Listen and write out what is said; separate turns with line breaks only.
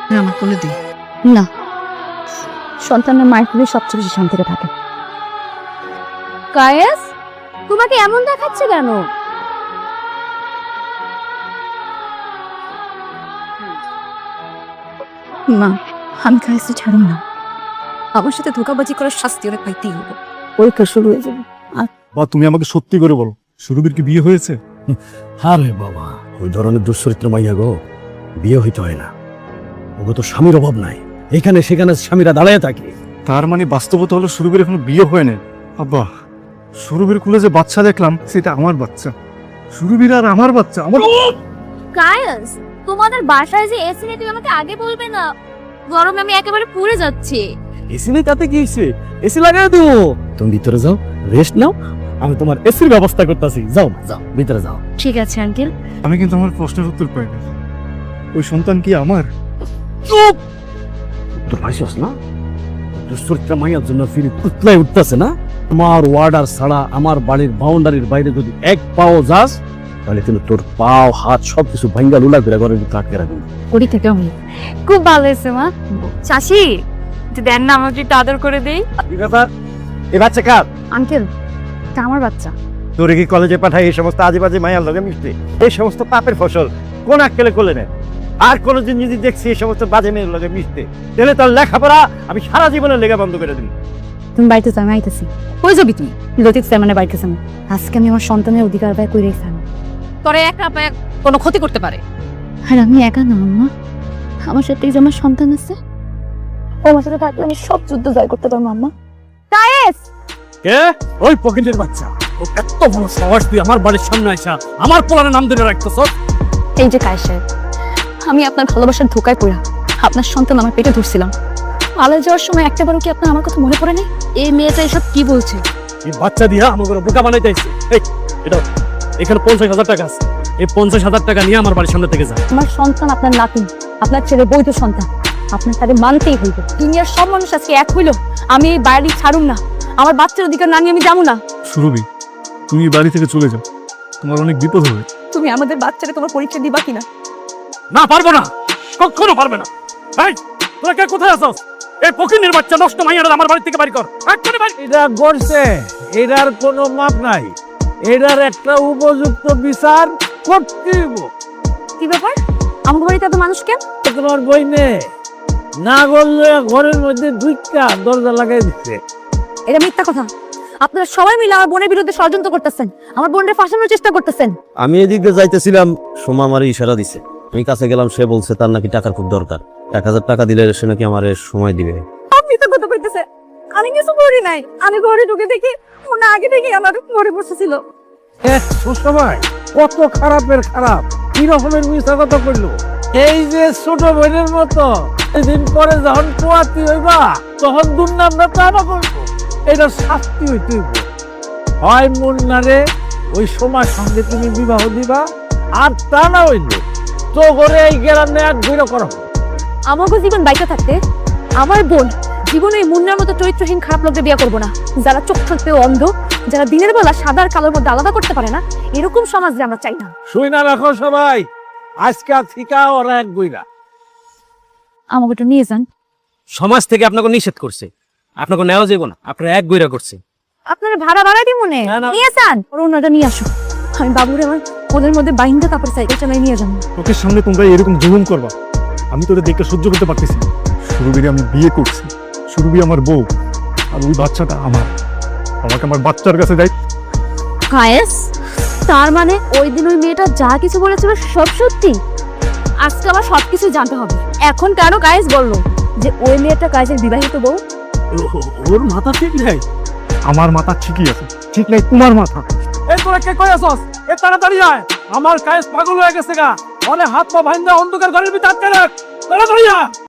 আমার কোলে দিই।
না, সন্তানের মায়ের কোলে সবচেয়ে বেশি শান্তিতে থাকে। কায়েস, তোমাকে এমন দেখাচ্ছে কেন?
মা, আমি কায়েসে ছাড়ব না। আমার সাথে ধোঁকাবাজি করার শাস্তি ওরা পাইতেই হবে।
পরীক্ষা শুরু হয়ে যাবে।
বা তুমি আমাকে সত্যি করে বলো, সুরভির কি বিয়ে হয়েছে?
আরে বাবা, ওই ধরনের দুশ্চরিত্র মাইয়া গো, বিয়ে হইতে হয় না। ওগো তো স্বামীর অভাব নাই, এখানে সেখানে স্বামীরা দাঁড়ায় থাকে।
তার মানে বাস্তবতা হলো সুরভির এখনো বিয়ে হয় না। আব্বা, সুরভির কুলে যে বাচ্চা দেখলাম সেটা আমার বাচ্চা। সুরভির আর আমার বাচ্চা। আমার
কায়েস, তোমাদের বাসায় যে এসি নেই তুমি আমাকে আগে বলবে না? গরমে আমি একেবারে পুড়ে যাচ্ছি।
এসি নেই তাতে কি হইছে? এসি লাগাই দেবো। তুমি ভিতরে যাও, রেস্ট নাও, আমি তোমার এসির ব্যবস্থা করতেছি। যাও যাও, ভিতরে যাও।
ঠিক আছে আঙ্কেল।
আমি কিন্তু আমার প্রশ্নের উত্তর পাইনি। ওই সন্তান কি আমার?
চুপ! তোর পাইছস না? দুশ্চরিত্র মাইয়ার জন্য ফিরে উতলাই উঠতেছে না? আমার ওয়ার্ডার ছাড়া আমার বাড়ির বাউন্ডারির বাইরে যদি এক পাও যাস, তাহলে কিন্তু তোর পাও হাত সবকিছু ভাঙ্গা লুলা করে ঘরের ভিতরে আটকে রাখবি।
করি থেকে আমি খুব ভালো হয়েছে মা। চাচি, দেন না আমাকে একটু আদর করে দেই।
কি ব্যাপার? এই বাচ্চা কার?
আঙ্কেল, এটা আমার বাচ্চা।
তোরে কি কলেজে পাঠাই এই সমস্ত আজেবাজে মায়ার লগে মিশতে? এই সমস্ত পাপের ফসল কোন আক্কেলে কোলে নেয়? আর কোনদিন যদি দেখছি এই সমস্ত বাজে মেয়ের লগে মিশতে, তাহলে তোর লেখাপড়া আমি সারা জীবনের লেখা বন্ধ করে দিন।
তুমি বাড়িতে যাও, আমি আইতেছি। কই যাবি তুই? লতিফ স্যার বাড়িতে যাবো। আজকে আমি আমার সন্তানের অধিকার ব্যয় করে রেখেছি।
তোরে একা পায়ে কোনো ক্ষতি করতে পারে।
আর আমি একা না আম্মা, আমার সাথে যে আমার সন্তান আছে, ও আমার সাথে থাকলে আমি সব যুদ্ধ জয় করতে পারবো আম্মা। কায়েস!
কে? ওই পকেটের বাচ্চা। ও এত বড় সাহস, তুই আমার বাড়ির সামনে আইসা আমার পোলার নাম ধরে রাখতেছ?
এই যে কায়েস সাহেব, আমি আপনার ভালোবাসার ধোকায় পড়া আপনার সন্তান আমার পেটে ধরছিলাম। পালিয়ে যাওয়ার সময় একটাবারও কি আপনার আমার কথা মনে পড়ে নেই? এই মেয়েটা এসব কি বলছে?
এই বাচ্চা দিয়া আমাকে বোকা বানাইতে আইছে। এই এটা এখানে 50,000 টাকা আছে, এই 50,000 টাকা নিয়ে আমার বাড়ির সামনে থেকে যা।
আমার সন্তান আপনার নাতি, আপনার ছেলে বৈধ সন্তান, আপনার তাদের মানতেই হইবে। দুনিয়ার সব মানুষ আজকে এক হইল, আমি এই বাড়ি ছাড়ুম না। আমার বাচ্চার অধিকার না নিয়ে আমি যাবো না।
সুরভি, তুমি এই বাড়ি থেকে চলে যাও, তোমার অনেক বিপদ হবে।
তুমি আমাদের বাচ্চাকে তোমার পরীক্ষা দিবা কিনা?
না, পারবো না, কখনো পারবে না। এই তোরা কে কোথায় আছস? এই পকিনের বাচ্চা নষ্ট মাইয়াটা আমার বাড়ি থেকে বাড়ি কর। এক্ষুনি বাড়ি।
এটা করছে, এটার কোনো মাপ নাই। এটার একটা উপযুক্ত বিচার করতে হইব।
কি ব্যাপার? আমার বাড়িতে এত মানুষ কেন?
তোমার বইনে না বললে ঘরের মধ্যে দুইটা দরজা লাগাই দিচ্ছে।
এটা মিথ্যা কথা। আপনারা সবাই মিলে আমার বোনের বিরুদ্ধে ষড়যন্ত্র করতেছেন, আমার বোনের ফাঁসানোর চেষ্টা করতেছেন।
আমি এদিক দিয়ে যাইতেছিলাম, সোমা আমার ইশারা দিছে। আমি কাছে গেলাম, সে বলছে তার নাকি টাকার খুব দরকার। 1000 টাকা দিলে সে নাকি আমার সময় দিবে।
আপনি তো কথা কইতেছে, আমি কিছু করি নাই। আমি ঘরে ঢুকে দেখি ওনা আগে থেকে আমার ঘরে বসেছিল।
সুসময় কত খারাপের খারাপ, কি রকমের মিশা কথা করলো। এই যে ছোট বোনের মতো এদিন পরে যখন পোয়াতি হইবা, তখন দুর্নামটা তারা করবো। এটা শাস্তি হইতে হইব। হয় মুন্নারে ওই সময়ের সঙ্গে তুমি বিবাহ দিবা, আর তা না হইলে তো করে এই গ্রামে এক ঘুরে করো।
আমাকে জীবন বাইকে থাকতে আমার বোন জীবনে এই মুন্নার মতো চরিত্রহীন খারাপ লোকদের বিয়ে করবো না। যারা চোখ থাকতেও অন্ধ, যারা দিনের বেলা সাদা আর কালোর মধ্যে আলাদা করতে পারে না, এরকম সমাজ যে আমরা চাই না।
শুই না রাখো সবাই, আজকে থিকা ওরা এক গুইরা।
আমাকে একটু নিয়ে যান।
সমাজ থেকে আপনাকে নিষেধ করছে, আপনাকে নেওয়া যাবে না, আপনারা এক গইরা করছে।
আপনারা ভাড়া ভাড়া দিই মনে নিয়ে যান। ওনাটা নিয়ে আসো, আমি বাবুরে আমার ওদের মধ্যে বাইন্দা তারপরে সাইকেল চালাই নিয়ে যাবো।
তোকে সামনে তোমরা এরকম জুলুম করবা, আমি তোদের দেখে সহ্য করতে পারতেছি না। সুরভির আমি বিয়ে করছি, সুরভি আমার বউ, আর ওই বাচ্চাটা আমার। আমাকে আমার বাচ্চার কাছে যাই।
কায়েস, তার মানে ওই দিন ওই মেয়েটা যা কিছু বলেছিল সব সত্যি? আজকে আমার সবকিছু জানতে হবে। এখন কেন কায়েস বললো যে ওই মেয়েটা কায়েসের বিবাহিত বউ?
ওর মাথা ঠিক নাই।
আমার মাথা ঠিকই আছে, ঠিক নাই তোমার মাথা।
এই তোরা কে কই আছস? এ তাড়াতাড়ি আয়, আমার কায়েস পাগল হয়ে গেছে গা। অনেক হাত পা ভাইন্দা অন্ধকার ঘরের ভিতর আটকে রাখ, তাড়াতাড়ি আয়।